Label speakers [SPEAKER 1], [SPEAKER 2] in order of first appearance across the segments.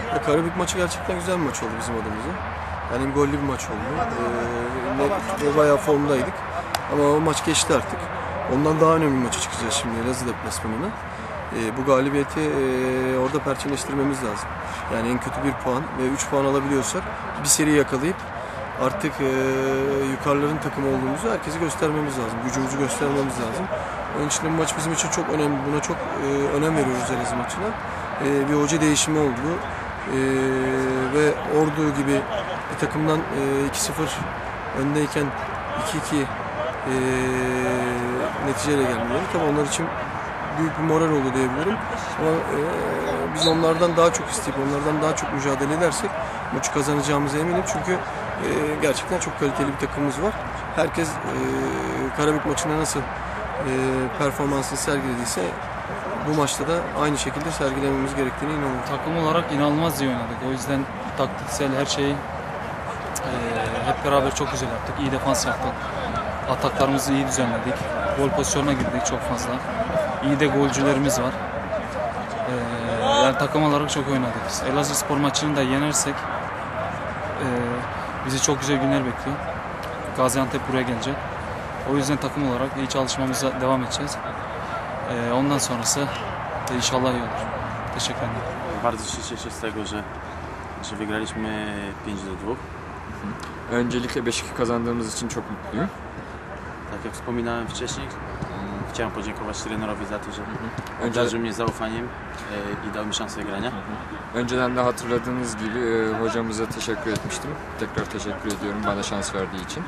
[SPEAKER 1] Karabük maçı gerçekten güzel bir maç oldu bizim adımıza. Yani hem gollü bir maç oldu. Bayağı formdaydık. Ama o maç geçti artık. Ondan daha önemli bir maça çıkacağız şimdi Elazığ deplasmanına. Bu galibiyeti orada perçinleştirmemiz lazım. Yani en kötü 1 puan ve 3 puan alabiliyorsak bir seri yakalayıp artık yukarıların takımı olduğumuzu herkese göstermemiz lazım. Gücümüzü göstermemiz lazım. Onun için bu maç bizim için çok önemli. Buna çok önem veriyoruz Elazığ maçına. Bir hoca değişimi oldu. Ve Ordu gibi bir takımdan 2-0 öndeyken 2-2 neticeyle gelmeleri tabii onlar için büyük bir moral oldu diyebilirim. Ama biz onlardan daha çok isteyip onlardan daha çok mücadele edersek maçı kazanacağımıza eminim. Çünkü gerçekten çok kaliteli bir takımımız var. Herkes Karabük maçında nasıl performansını sergilediyse bu maçta da aynı şekilde sergilememiz gerektiğine inanıyorum.
[SPEAKER 2] Takım olarak inanılmaz iyi oynadık. O yüzden taktiksel her şeyi hep beraber çok güzel yaptık. İyi defans yaptık. Ataklarımızı iyi düzenledik. Gol pozisyonuna girdik çok fazla. İyi de golcülerimiz var. Yani takım olarak çok oynadık. Elazığspor maçını da yenersek bizi çok güzel günler bekliyor. Gaziantep buraya gelecek. O yüzden takım olarak iyi çalışmamıza devam edeceğiz. Ondan sonrası inşallah iyi olur. Teşekkür ederim.
[SPEAKER 3] Bardzo się cieszę z tego, że wygraliśmy 5-2.
[SPEAKER 4] Öncelikle 5-2 kazandığımız için çok mutluyum.
[SPEAKER 3] Tak jak wspominałem wcześniej, chciałem podziękować trenerowi za to, że obdarzył mnie zaufaniem i dał mi szansę grania.
[SPEAKER 4] Önceden de hatırladığınız gibi hocamıza teşekkür etmiştim. Tekrar teşekkür ediyorum bana şans verdiği için.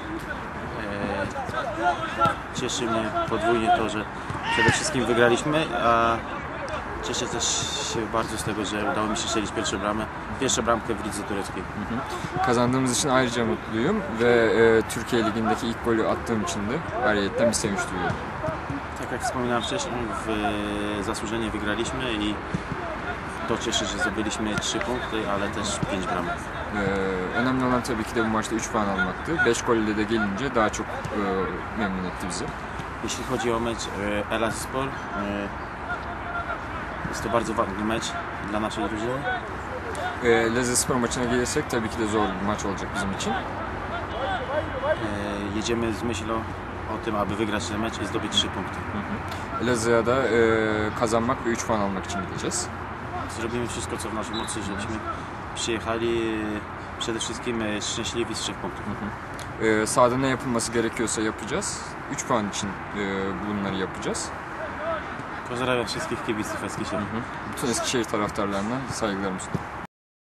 [SPEAKER 3] Cieszy mnie podwójnie to, że przede wszystkim wygraliśmy, a cieszę też się bardzo z tego, że udało mi się strzelić pierwszą bramkę w lidze tureckiej.
[SPEAKER 4] Kazandığımız için ayrıca mutluyum ve Türkiye Ligi'ndeki ilk golü attığım için de ayrıyetten bir sevinç duyuyorum.
[SPEAKER 3] Tak jak wspominałem wcześniej, zasłużenie wygraliśmy i to cieszy, że zdobyliśmy 3 punkty, ale też 5 bramek.
[SPEAKER 4] Önemli olan tabii ki de bu maçta 3 puan almaktı. 5 golle de gelince daha çok memnun etti bizi.
[SPEAKER 3] Jeśli chodzi o mecz Elazığspor, jest to bardzo ważny mecz dla naszej drużyny.
[SPEAKER 4] Elazığspor maçına gelirsek tabii ki de zor bir maç olacak bizim için.
[SPEAKER 3] Jedziemy z myślą o tym, aby wygrać ten mecz i zdobyć 3 punkty.
[SPEAKER 4] Elazığ'a da kazanmak ve 3 puan almak için gideceğiz.
[SPEAKER 3] Zrobimy wszystko, co w naszej mocy, żebyśmy przyjechali przede wszystkim szczęśliwi z 3 punktów.
[SPEAKER 4] Sahada ne yapılması gerekiyorsa yapacağız. 3 puan için bunları yapacağız.
[SPEAKER 3] Pozdrawiam wszystkich kibiców Eskişehir.
[SPEAKER 4] Bütün Eskişehir taraftarlarına saygılarımı sunuyorum.